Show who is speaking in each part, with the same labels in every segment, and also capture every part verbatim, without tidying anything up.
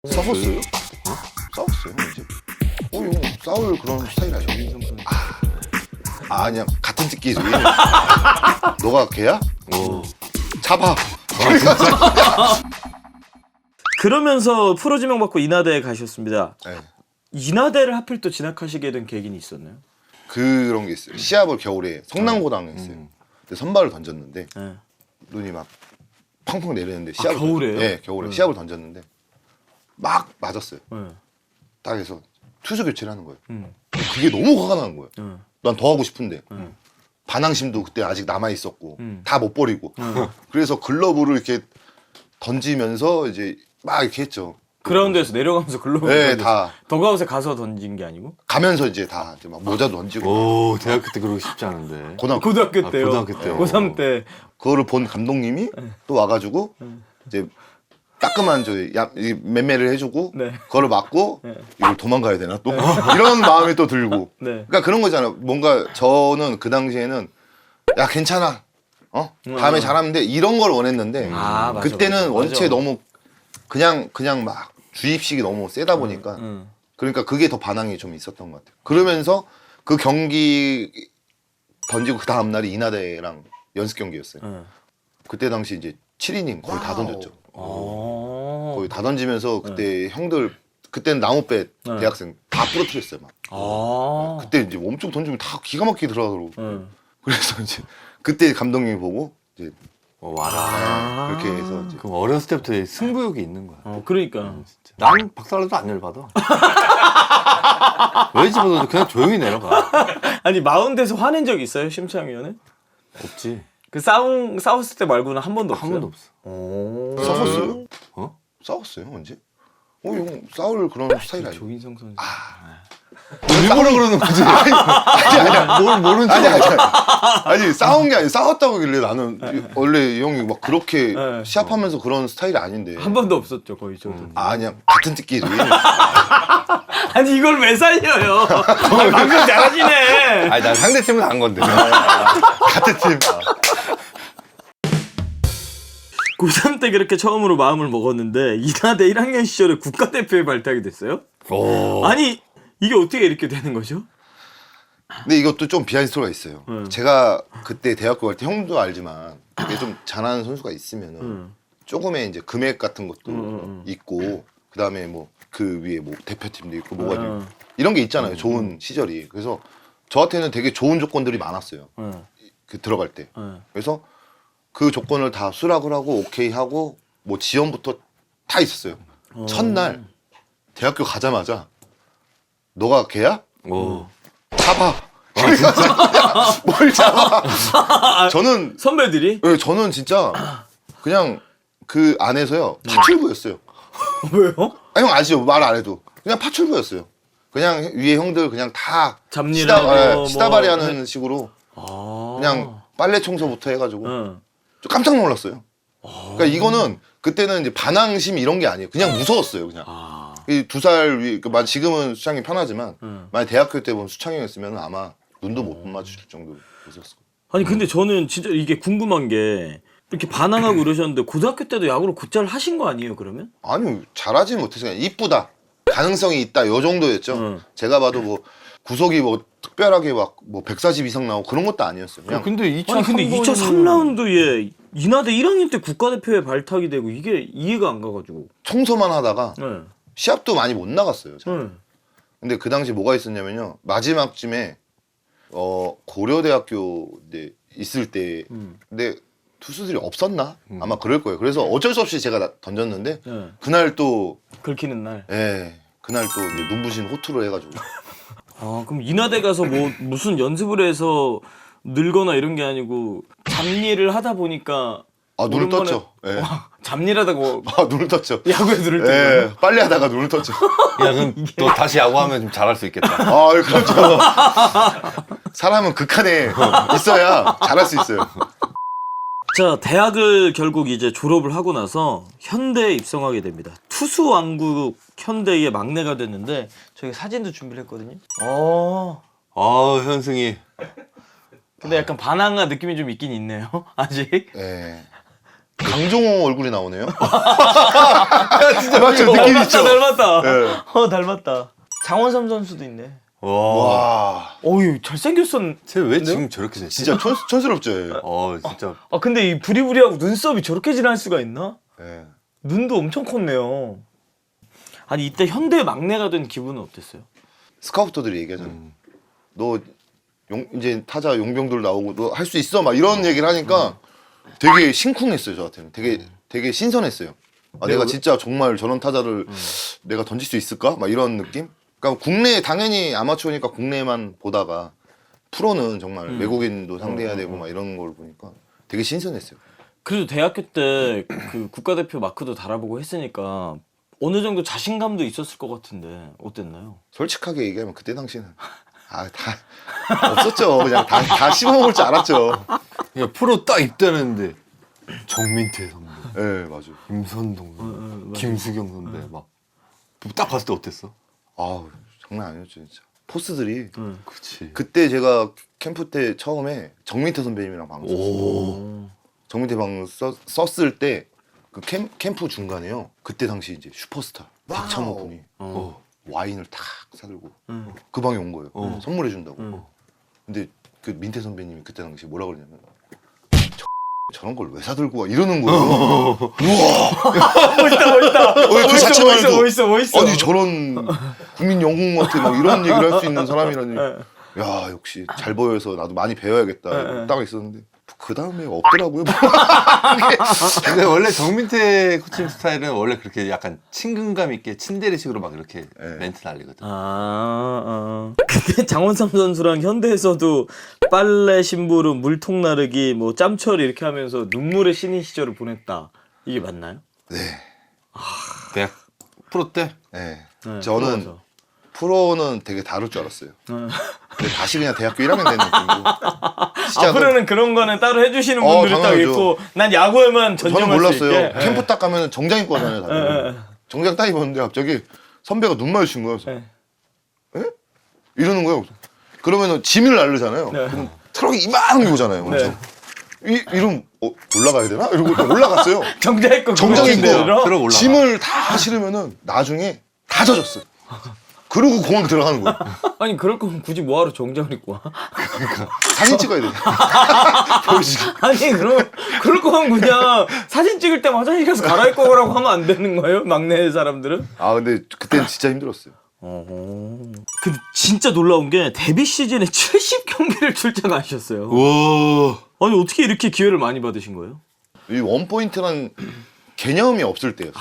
Speaker 1: 싸웠어요? 어? 싸웠어요 이제? 어, 형 싸울 그런 스타일 아니야? 아, 아니야 같은 집끼리. 너가 걔야?
Speaker 2: 오.
Speaker 1: 잡아.
Speaker 3: 그러면서 프로 지명 받고 인하대에 가셨습니다.
Speaker 1: 네.
Speaker 3: 인하대를 하필 또 진학하시게 된 계기는 있었나요?
Speaker 1: 그런 게 있어요. 시합을 겨울에 성남고당에 했어요.
Speaker 2: 음.
Speaker 1: 근데 선발을 던졌는데
Speaker 3: 네.
Speaker 1: 눈이 막 펑펑 내리는데 시합을
Speaker 3: 아, 겨울에요?
Speaker 1: 던졌... 네, 겨울에
Speaker 3: 네.
Speaker 1: 시합을 던졌는데 막 맞았어요.
Speaker 3: 네.
Speaker 1: 딱 해서 투수 교체를 하는 거예요.
Speaker 3: 음.
Speaker 1: 그게 너무 화가 나는 거예요.
Speaker 3: 네.
Speaker 1: 난 더 하고 싶은데
Speaker 3: 음.
Speaker 1: 반항심도 그때 아직 남아 있었고
Speaker 3: 음.
Speaker 1: 다 못 버리고 그래서 글러브를 이렇게 던지면서 이제 막 이렇게 했죠.
Speaker 3: 그라운드에서 내려가면서 글로브
Speaker 1: 네,
Speaker 3: 던졌어요.
Speaker 1: 다
Speaker 3: 더가웃에 가서 던진 게 아니고?
Speaker 1: 가면서 이제 다 이제 막 모자도 던지고
Speaker 2: 오, 대학교 때 그러기 쉽지 않은데.
Speaker 1: 고등학교
Speaker 3: 고등학교
Speaker 2: 아,
Speaker 3: 때요.
Speaker 2: 고등학교 때요.
Speaker 3: 고삼 때.
Speaker 1: 그거를 본 감독님이 또 와가지고 이제 따끔한 저 야- 이 맴매를 해주고
Speaker 3: 네.
Speaker 1: 그거를 맞고
Speaker 3: 네.
Speaker 1: 이걸 도망가야 되나 또 이런 마음이 또 들고
Speaker 3: 네.
Speaker 1: 그러니까 그런 거잖아요. 뭔가 저는 그 당시에는 야 괜찮아 어 다음에
Speaker 3: 음.
Speaker 1: 잘하면 돼 이런 걸 원했는데
Speaker 3: 아, 맞아,
Speaker 1: 그때는
Speaker 3: 맞아,
Speaker 1: 원체
Speaker 3: 맞아.
Speaker 1: 너무 그냥 그냥 막 주입식이 너무 세다 보니까
Speaker 3: 음.
Speaker 1: 그러니까 그게 더 반항이 좀 있었던 것 같아요. 그러면서 그 경기 던지고 그 다음 날이 인하대랑 연습 경기였어요.
Speaker 3: 음.
Speaker 1: 그때 당시 이제 칠 이닝 거의 다 던졌죠.
Speaker 3: 아.
Speaker 1: 거의 다 던지면서 그때 형들 그때는 나무배
Speaker 3: 네.
Speaker 1: 대학생 다 부러뜨렸어요 막.
Speaker 3: 아.
Speaker 1: 그때 이제 엄청 던지면 다 기가 막히게 들어가더라고.
Speaker 3: 음.
Speaker 1: 그래서 이제 그때 감독님이 보고 이제
Speaker 2: 어, 와라.
Speaker 3: 아.
Speaker 1: 그렇게 해서 이제
Speaker 2: 그럼 어렸을 때부터 승부욕이 있는 거야.
Speaker 3: 어, 그러니까.
Speaker 2: 진짜. 난 박살나도 안 열받아. 왜 집어넣어도 그냥 조용히 내려가.
Speaker 3: 아니 마운드에서 화낸 적 있어요, 심창 위원은?
Speaker 2: 없지.
Speaker 3: 그 싸움 싸웠을 때 말고는 한 번도 없어요.
Speaker 2: 한 번도 없어.
Speaker 3: 오.
Speaker 1: 싸웠어요?
Speaker 2: 어?
Speaker 1: 싸웠어요 언제? 어 형 싸울 그런 스타일 아니에요?
Speaker 3: 조인성 선수.
Speaker 2: 일부러 그러는 거지.
Speaker 1: 아니 아니야.
Speaker 2: 뭘 모르는
Speaker 1: 아니
Speaker 2: 척.
Speaker 1: 아니 아니 아니 싸운 게 아니 싸웠다고 하길래 나는 이- 원래 이 형이 막 그렇게
Speaker 3: 네.
Speaker 1: 시합하면서 그런 스타일이 아닌데
Speaker 3: 한 번도 없었죠, 거의 저도.
Speaker 1: 아, 아니야 같은 집끼리
Speaker 3: 아니 이걸 왜 살려요? 아, 방금 잘하시네.
Speaker 2: 아니, 난 상대팀은 안 건데.
Speaker 1: 같은 팀
Speaker 3: 고삼 때 그렇게 처음으로 마음을 먹었는데 인하대 일 학년 시절에 국가대표에 발탁이 됐어요?
Speaker 2: 오.
Speaker 3: 아니 이게 어떻게 이렇게 되는 거죠?
Speaker 1: 근데 이것도 좀 비하인드 스토리가 있어요.
Speaker 3: 음.
Speaker 1: 제가 그때 대학교 갈 때 형도 알지만 이게 좀 잘하는 선수가 있으면은
Speaker 3: 음.
Speaker 1: 조금의 이제 금액 같은 것도
Speaker 3: 음, 음, 음.
Speaker 1: 있고 그다음에 뭐 그 위에 뭐 대표팀도 있고 뭐가
Speaker 3: 음.
Speaker 1: 있고 이런 게 있잖아요. 좋은 시절이. 그래서 저한테는 되게 좋은 조건들이 많았어요.
Speaker 3: 응,
Speaker 1: 그 들어갈 때.
Speaker 3: 응.
Speaker 1: 그래서 그 조건을 다 수락을 하고 오케이 하고 뭐 지원부터 다 있었어요.
Speaker 3: 어.
Speaker 1: 첫날 대학교 가자마자 너가 걔야?
Speaker 2: 오.
Speaker 1: 잡아. 야, 뭘 잡아? 저는
Speaker 3: 선배들이?
Speaker 1: 예, 저는 진짜 그냥 그 안에서요 파출부였어요.
Speaker 3: 왜요?
Speaker 1: 아, 형 아시죠? 말 안 해도 그냥 파출부였어요. 그냥 위에 형들 그냥 다
Speaker 3: 잡일하고
Speaker 1: 시다, 예,
Speaker 3: 뭐-
Speaker 1: 시다바리하는 식으로
Speaker 3: 아.
Speaker 1: 그냥 빨래 청소부터 해가지고
Speaker 3: 응.
Speaker 1: 좀 깜짝 놀랐어요. 그러니까 이거는 그때는 이제 반항심 이런 게 아니에요. 그냥 무서웠어요. 그냥
Speaker 3: 아.
Speaker 1: 이 두 살 위, 그러니까 지금은 수창이 편하지만
Speaker 3: 응.
Speaker 1: 만약 대학교 때 보면 수창이었으면 아마 눈도 못 마주칠 정도로 무서웠을 거예요.
Speaker 3: 아니 근데 저는 진짜 이게 궁금한 게 이렇게 반항하고 이러셨는데 고등학교 때도 야구를 곧잘 하신 거 아니에요 그러면?
Speaker 1: 아니 잘하지 못해서 그냥 이쁘다 가능성이 있다 요 정도였죠.
Speaker 3: 응.
Speaker 1: 제가 봐도 뭐 구속이 뭐 특별하게 막 뭐 백사십 이상 나오고 그런 것도 아니었어요. 그냥
Speaker 2: 근데 이차
Speaker 3: 아니 근데 이 차 삼 라운드에 인하대 일 학년 때 국가대표에 발탁이 되고 이게 이해가 안 가가지고.
Speaker 1: 청소만 하다가
Speaker 3: 네.
Speaker 1: 시합도 많이 못 나갔어요. 제가.
Speaker 3: 네.
Speaker 1: 근데 그 당시 뭐가 있었냐면요. 마지막쯤에 어 고려대학교 이제 있을 때
Speaker 3: 음.
Speaker 1: 근데 투수들이 없었나? 아마 그럴 거예요. 그래서 어쩔 수 없이 제가 나- 던졌는데
Speaker 3: 네.
Speaker 1: 그날 또
Speaker 3: 긁히는 날.
Speaker 1: 예, 그날 또 이제 눈부신 호투를 해가지고
Speaker 3: 아 그럼 인하대 가서 뭐 무슨 연습을 해서 늘거나 이런 게 아니고 잡일을 하다 보니까
Speaker 1: 아 눈을
Speaker 3: 오랜만에-
Speaker 1: 떴죠. 예.
Speaker 3: 와, 잡일하다가 뭐
Speaker 1: 아 눈을 떴죠.
Speaker 3: 야구에 눈을 뜨고.
Speaker 1: 예, 빨리 하다가 눈을 떴죠.
Speaker 2: 야, 그럼 너 다시 야구하면 좀 잘할 수 있겠다.
Speaker 1: 아, 그렇죠. 사람은 극한에 있어야 잘할 수 있어요.
Speaker 3: 자, 대학을 결국 이제 졸업을 하고 나서 현대에 입성하게 됩니다. 투수 왕국 현대의 막내가 됐는데 저희 사진도 준비를 했거든요. 어.
Speaker 2: 아, 현승이.
Speaker 3: 근데 약간 반항아 느낌이 좀 있긴 있네요. 아직.
Speaker 1: 예. 강정호 얼굴이 나오네요.
Speaker 2: 야, 진짜
Speaker 1: 맞죠?
Speaker 3: 어,
Speaker 1: 느낌
Speaker 3: 닮았다,
Speaker 1: 있죠?
Speaker 3: 닮았다.
Speaker 1: 네.
Speaker 3: 어, 닮았다. 장원삼 선수도 있네.
Speaker 2: 와.
Speaker 1: 와,
Speaker 3: 어유 잘생겼었.
Speaker 2: 쟤왜 지금 저렇게 됐지?
Speaker 1: 진짜 촌, 촌스럽죠. 얘.
Speaker 2: 어, 진짜.
Speaker 3: 아 근데 이 부리부리하고 눈썹이 저렇게 진할 수가 있나?
Speaker 1: 네.
Speaker 3: 눈도 엄청 컸네요. 아니 이때 현대 막내가 된 기분은 어땠어요?
Speaker 1: 스카우터들이 얘기하잖아.
Speaker 2: 음.
Speaker 1: 너 용, 이제 타자 용병들 나오고 너 할 수 있어 막 이런 얘기를 하니까 되게 심쿵했어요 저한테는. 되게 되게 신선했어요. 아, 내가 진짜 정말 저런 타자를 내가 던질 수 있을까? 막 이런 느낌? 그러니까 국내 당연히 아마추어니까 국내만 보다가 프로는 정말
Speaker 3: 음.
Speaker 1: 외국인도 상대해야 되고 막 이런 걸 보니까 되게 신선했어요.
Speaker 3: 그래도 대학교 때 그 국가대표 마크도 달아보고 했으니까 어느 정도 자신감도 있었을 것 같은데 어땠나요?
Speaker 1: 솔직하게 얘기하면 그때 당시는 아 다 없었죠. 그냥 다 다 씹어먹을 줄 알았죠.
Speaker 2: 야, 프로 딱 입대하는데 정민태 선배,
Speaker 1: 예, 네, 맞아요.
Speaker 2: 김선동 선배,
Speaker 3: 어, 맞아.
Speaker 2: 김수경 선배 막 딱 봤을 때 어땠어?
Speaker 1: 아우 장난 아니었죠 진짜. 포스들이
Speaker 3: 응.
Speaker 2: 그치.
Speaker 1: 그때 제가 캠프 때 처음에 정민태 선배님이랑 방송 썼어요.
Speaker 2: 오.
Speaker 1: 정민태 방송 써, 썼을 때 그 캠프 중간에요. 그때 당시 이제 슈퍼스타 박찬호 분이
Speaker 2: 어.
Speaker 1: 와인을 탁 사들고
Speaker 3: 응.
Speaker 1: 그 방에 온 거예요.
Speaker 2: 어.
Speaker 1: 선물해 준다고.
Speaker 3: 응.
Speaker 1: 근데 그 민태 선배님이 그때 당시 뭐라 그러냐면 저, 저런 걸 왜 사들고 와 이러는 거예요.
Speaker 3: 멋있다 멋있다.
Speaker 1: 어, 그
Speaker 3: 멋있어
Speaker 1: 자체만
Speaker 3: 멋있어
Speaker 1: 해도
Speaker 3: 멋있어 멋있어.
Speaker 1: 아니 저런 국민 영웅한테 막 이런 얘기를 할 수 있는 사람이라니. 야 역시 잘 보여서 나도 많이 배워야겠다.
Speaker 3: 네.
Speaker 1: 딱 있었는데 그 다음에 없더라고요.
Speaker 2: 근데 원래 정민태 코칭 스타일은 원래 그렇게 약간 친근감 있게 친데레식으로 막 이렇게
Speaker 1: 네.
Speaker 2: 멘트 날리거든.
Speaker 3: 아, 아. 근데 장원삼 선수랑 현대에서도 빨래 심부름, 물통 나르기, 뭐 짬처리 이렇게 하면서 눈물의 신인 시절을 보냈다. 이게 맞나요?
Speaker 1: 네.
Speaker 2: 대학 프로 때?
Speaker 1: 네.
Speaker 3: 네,
Speaker 1: 저는
Speaker 3: 들어가서.
Speaker 1: 프로는 되게 다를 줄 알았어요.
Speaker 3: 어.
Speaker 1: 근데 다시 그냥 대학교 일 학년 된 느낌이고. 시작은
Speaker 3: 앞으로는 그런 거는 따로 해주시는
Speaker 1: 어,
Speaker 3: 분들이 딱
Speaker 1: 당연하죠.
Speaker 3: 있고 난 야구에만
Speaker 1: 저는
Speaker 3: 전념할 수
Speaker 1: 몰랐어요.
Speaker 3: 있게.
Speaker 1: 캠프 딱 가면 정장 입고 하잖아요. 다들.
Speaker 3: 예, 예.
Speaker 1: 정장 딱 입었는데 갑자기 선배가 눈 마주친 거예요.
Speaker 3: 예.
Speaker 1: 에? 이러는 거예요. 그러면은 짐을 나르잖아요.
Speaker 3: 네.
Speaker 1: 그럼 트럭이 이만한 게 오잖아요.
Speaker 3: 네.
Speaker 1: 이, 이러면 어, 올라가야 되나? 이러고 또 올라갔어요.
Speaker 3: 정장 입고
Speaker 1: 정장
Speaker 3: 그거
Speaker 1: 입고
Speaker 3: 그대로?
Speaker 2: 들어 올라가.
Speaker 1: 짐을 다 실으면은 나중에 다 젖었어요. 그러고 공항 들어가는 거예요.
Speaker 3: 아니 그럴 거면 굳이 뭐하러 정장을 입고 와?
Speaker 1: 사진 찍어야 돼. 보여주기.
Speaker 3: 아니 그럼 그럴 거면 그냥 사진 찍을 때 화장실 가서 갈아입고 오라고 하면 안 되는 거예요? 막내 사람들은?
Speaker 1: 아 근데 그때는 진짜 힘들었어요.
Speaker 3: 어허. 근데 진짜 놀라운 게 데뷔 시즌에 칠십 경기를 출장하셨어요.
Speaker 2: 와.
Speaker 3: 아니 어떻게 이렇게 기회를 많이 받으신 거예요?
Speaker 1: 이 원포인트란 개념이 없을 때였어요.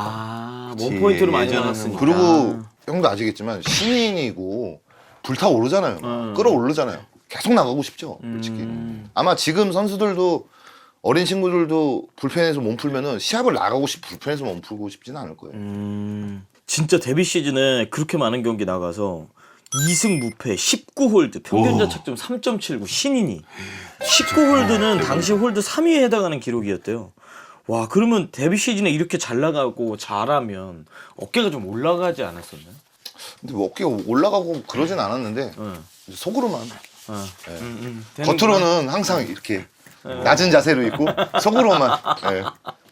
Speaker 3: 아,
Speaker 2: 그치,
Speaker 3: 원포인트로 많이
Speaker 2: 예전에는
Speaker 3: 나갔으니까.
Speaker 1: 그리고 형도 아시겠지만 신인이고 불타오르잖아요.
Speaker 3: 음.
Speaker 1: 끌어오르잖아요. 계속 나가고 싶죠. 솔직히.
Speaker 3: 음.
Speaker 1: 아마 지금 선수들도 어린 친구들도 불펜에서 몸 풀면은 시합을 나가고 싶 불펜에서 몸 풀고 싶지는 않을 거예요.
Speaker 3: 음, 진짜 데뷔 시즌에 그렇게 많은 경기 나가서 이 승 무패 십구 홀드 평균 자책점 삼 점 칠구 신인이 십구 홀드는 당시 홀드 삼 위에 해당하는 기록이었대요. 와 그러면 데뷔 시즌에 이렇게 잘 나가고 잘하면 어깨가 좀 올라가지 않았었나요?
Speaker 1: 근데 뭐 어깨가 올라가고 그러진 않았는데
Speaker 3: 응.
Speaker 1: 속으로만
Speaker 3: 어.
Speaker 1: 네.
Speaker 3: 음, 음. 되는구나.
Speaker 1: 겉으로는 항상 이렇게 낮은 자세로 있고 속으로만 네.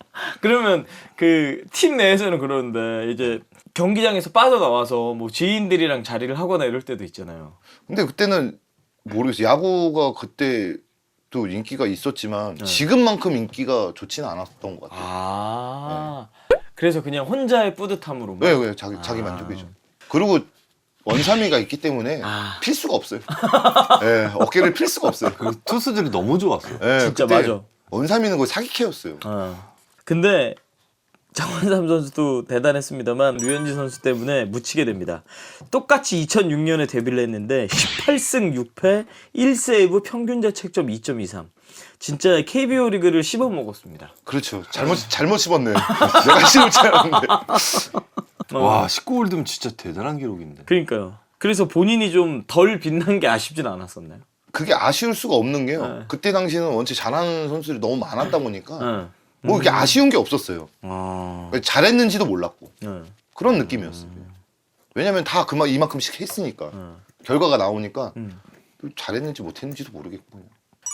Speaker 3: 그러면 그 팀 내에서는 그러는데 이제 경기장에서 빠져나와서 뭐 지인들이랑 자리를 하거나 이럴 때도 있잖아요.
Speaker 1: 근데 그때는 모르겠어요. 야구가 그때 또 인기가 있었지만
Speaker 3: 네.
Speaker 1: 지금만큼 인기가 좋지는 않았던 것 같아요.
Speaker 3: 아 그래서 그냥 혼자의 뿌듯함으로
Speaker 1: 왜 왜 자기 자기 만족이죠. 그리고 원삼이가 있기 때문에
Speaker 3: 아.
Speaker 1: 필 수가 없어요. 예, 어깨를 필 수가 없어요.
Speaker 2: 그 투수들이 너무 좋았어.
Speaker 1: 예,
Speaker 3: 진짜
Speaker 1: 그때
Speaker 3: 맞아.
Speaker 1: 원삼이는 거의 사기캐였어요.
Speaker 3: 어. 근데 장원삼 선수도 대단했습니다만 류현진 선수 때문에 묻히게 됩니다. 똑같이 이천육 년에 데뷔를 했는데 십팔 승 육 패 일 세이브 평균 자책점 이 점 이삼. 진짜 케이비오 리그를 씹어 먹었습니다.
Speaker 1: 그렇죠. 잘못 잘못 씹었네. 내가 씹을 줄 알았는데.
Speaker 3: 어.
Speaker 2: 와, 십구 홀드면 진짜 대단한 기록인데.
Speaker 3: 그러니까요. 그래서 본인이 좀 덜 빛난 게 아쉽진 않았었나요?
Speaker 1: 그게 아쉬울 수가 없는 게요.
Speaker 3: 네.
Speaker 1: 그때 당시에는 원체 잘하는 선수들이 너무 많았다 보니까
Speaker 3: 응.
Speaker 1: 뭐 이렇게 아쉬운 게 없었어요.
Speaker 3: 어.
Speaker 1: 잘했는지도 몰랐고
Speaker 3: 응.
Speaker 1: 그런 느낌이었어요. 왜냐면 다 그만 이만큼씩 했으니까
Speaker 3: 응.
Speaker 1: 결과가 나오니까
Speaker 3: 응.
Speaker 1: 잘했는지 못했는지도 모르겠고.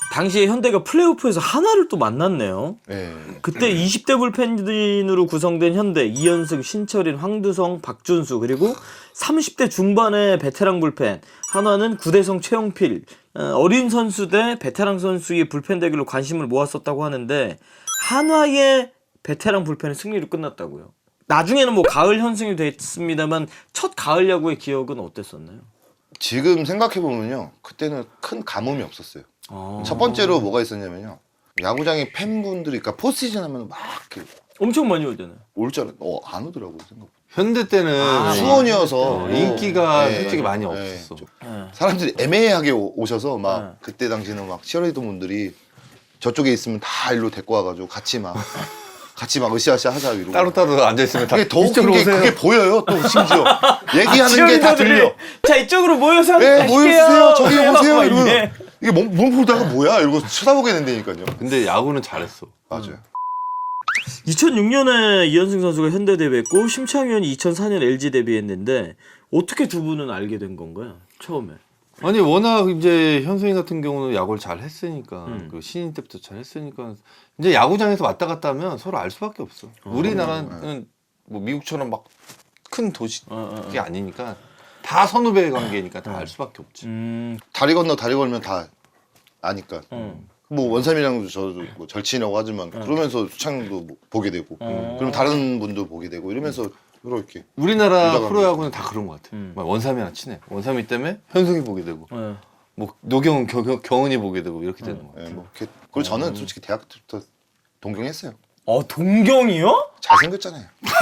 Speaker 3: 당시에 현대가 플레이오프에서 하나를 또 만났네요.
Speaker 1: 네.
Speaker 3: 그때 이십 대 불펜진으로 구성된 현대 이현승, 신철인, 황두성, 박준수 그리고 삼십 대 중반의 베테랑 불펜 한화는 구대성, 최영필 어, 어린 선수 대 베테랑 선수의 불펜 대결로 관심을 모았었다고 하는데 한화의 베테랑 불펜은 승리로 끝났다고요. 나중에는 뭐 가을 현승이 됐습니다만 첫 가을 야구의 기억은 어땠었나요?
Speaker 1: 지금 생각해 보면요, 그때는 큰 가뭄이 없었어요.
Speaker 3: 아...
Speaker 1: 첫 번째로 뭐가 있었냐면요, 야구장에 팬분들이, 그러니까 포스시즌 하면 막 이렇게
Speaker 3: 엄청 많이 오잖아요.
Speaker 1: 올 줄 알았, 어, 안 오더라고요 생각보다.
Speaker 2: 현대 때는
Speaker 3: 아,
Speaker 1: 수원이어서
Speaker 2: 어, 인기가
Speaker 1: 네,
Speaker 2: 솔직히 많이
Speaker 1: 네.
Speaker 2: 없었어.
Speaker 3: 네.
Speaker 1: 사람들이 애매하게 오- 오셔서 막
Speaker 3: 네.
Speaker 1: 그때 당시는 막 치어리더 분들이 저쪽에 있으면 다 일로 데리고 와가지고 같이 막 같이 막 으쌰으쌰 하자 이러고.
Speaker 2: 따로따로 앉아 있으면 다
Speaker 1: 그게 더 웃긴
Speaker 2: 이쪽으로
Speaker 1: 게
Speaker 2: 오세요.
Speaker 1: 그게 보여요. 또 심지어 얘기하는 게 다 들려.
Speaker 3: 자 이쪽으로 모여서
Speaker 1: 네,
Speaker 3: 하실게요.
Speaker 1: 모여주세요. 저기
Speaker 3: 네,
Speaker 1: 오세요.
Speaker 3: 막
Speaker 1: 이러면
Speaker 3: 이래.
Speaker 1: 이게 몸, 몸 보다가 뭐야? 이러고 쳐다보게 된다니까요.
Speaker 2: 근데 야구는 잘했어.
Speaker 1: 맞아요.
Speaker 3: 이천육 년에 이현승 선수가 현대 데뷔했고 심창현이 이천사 년 엘지 데뷔했는데 어떻게 두 분은 알게 된 건가요? 처음에.
Speaker 2: 아니 워낙 이제 현수인 같은 경우는 야구를 잘 했으니까
Speaker 3: 음.
Speaker 2: 그 신인 때부터 잘 했으니까 이제 야구장에서 왔다 갔다 하면 서로 알 수밖에 없어. 우리나라는 뭐 미국처럼 막 큰 도시
Speaker 3: 어, 어, 어.
Speaker 2: 그게 아니니까 다 선후배 관계니까 다 알 수밖에 없지.
Speaker 3: 음.
Speaker 1: 다리 건너 다리 걸면 다 아니까.
Speaker 3: 음.
Speaker 1: 뭐 원삼이랑도 저도 뭐 절친이라고 하지만 그러면서 수창도 뭐 보게 되고,
Speaker 3: 어.
Speaker 1: 그럼 다른 분도 보게 되고 이러면서 이렇게.
Speaker 2: 우리나라
Speaker 1: 유다가
Speaker 2: 프로야구는 다 그런 것 같아.
Speaker 3: 음.
Speaker 2: 막 원삼이랑 친해. 원삼이 때문에 현숙이 보게 되고,
Speaker 3: 네.
Speaker 2: 뭐 노경은 겨, 겨, 경은이 보게 되고 이렇게 되는 거.
Speaker 1: 예, 뭐 이렇게. 그리고 저는 솔직히 대학 때부터 동경했어요.
Speaker 3: 어 동경이요?
Speaker 1: 잘생겼잖아요.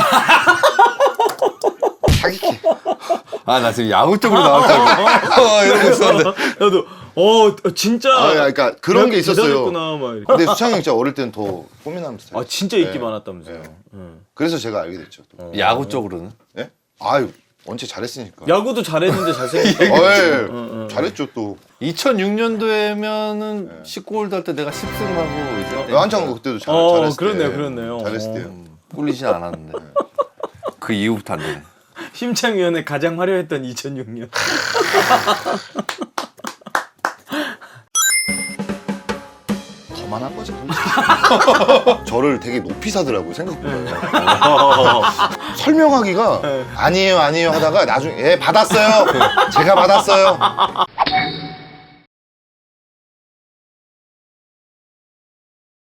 Speaker 1: 사기캐.
Speaker 2: 아 나 지금 야구 쪽으로 나왔다고 어, 이러고 있었는데.
Speaker 3: 나도 어 진짜.
Speaker 1: 아, 그러니까 그런 게 있었어요.
Speaker 3: 대단했구나, 막 이렇게.
Speaker 1: 근데 수창이 형 진짜 어릴 때는 더 꽃미남 스타일.
Speaker 3: 아 진짜 인기
Speaker 1: 네.
Speaker 3: 많았다면서요.
Speaker 1: 네.
Speaker 3: 응.
Speaker 1: 그래서 제가 알게 됐죠. 또.
Speaker 2: 야구 쪽으로는
Speaker 1: 예? 아유, 원체 잘했으니까.
Speaker 3: 야구도 잘했는데 잘생겼.
Speaker 1: 어, 예.
Speaker 3: 응, 응.
Speaker 1: 잘했죠 또.
Speaker 2: 이천육 년도에면은 십구 홀드 할 때 내가 십 승하고 이제
Speaker 1: 네. 한창 그때도 잘,
Speaker 3: 어,
Speaker 1: 잘했을
Speaker 3: 그렇네요,
Speaker 1: 때.
Speaker 3: 그렇네요.
Speaker 1: 잘했을
Speaker 3: 어.
Speaker 1: 때요.
Speaker 2: 꿀리진 않았는데 그 이후부터 안 되네.
Speaker 3: 심창위원회 가장 화려했던 이천육 년.
Speaker 1: 거만한 거죠. 솔직히. 저를 되게 높이 사더라고요 생각보다. 설명하기가 아니에요 아니에요 하다가 나중에 예 받았어요. 제가 받았어요.